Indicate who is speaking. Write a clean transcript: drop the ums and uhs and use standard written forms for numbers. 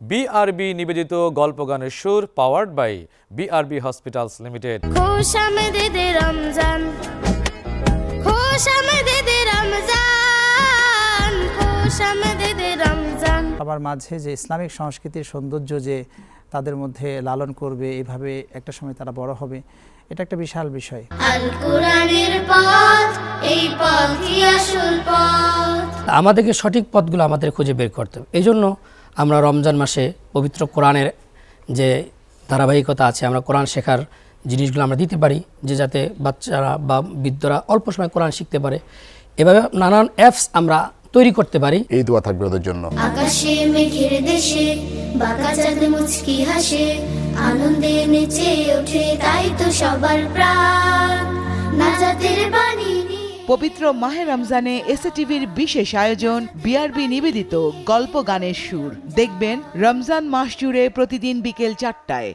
Speaker 1: BRB নিবেদিত গল্প গানের সুর powered by BRB hospitals limited.
Speaker 2: খুশ আমদেদে রমজান, খুশ আমদেদে রমজান, খুশ আমদেদে রমজান।
Speaker 3: সবার মাঝে যে ইসলামিক সংস্কৃতির সৌন্দর্য যে তাদের মধ্যে লালন করবে, এভাবে একটা সময় তারা বড় হবে, এটা একটা বিশাল বিষয়।
Speaker 2: আল কোরআনের পথ, এই পথই আসল পথ।
Speaker 4: আমাদেরকে সঠিক পথগুলো আমাদের খুঁজে বের করতে হবে। এই জন্য আমরা রমজান মাসে পবিত্র কোরআনের যে ধারাবাহিকতা আছে, আমরা কোরআন শেখার জিনিসগুলো আমরা দিতে পারি, যে যাতে বাচ্চারা বা বৃদ্ধরা অল্প সময় কোরআন শিখতে পারে। এভাবে নানান অ্যাপস আমরা তৈরি করতে পারি।
Speaker 5: এই দোয়া থাকবে ওদের জন্য।
Speaker 2: আকাশে মেঘের দেশে বাঁকা চাঁদ মুচকি হাসে, আনন্দে নেচে ওঠে তাই তো সবার প্রাণ, নাজাতের বাণী নিয়ে।
Speaker 6: পবিত্র মাহে রমজানে এসএটিভির বিশেষ আয়োজন বিআরবি নিবেদিত গল্প গানের সুর। দেখবেন রমজান মাস জুড়ে প্রতিদিন বিকেল 4টায়।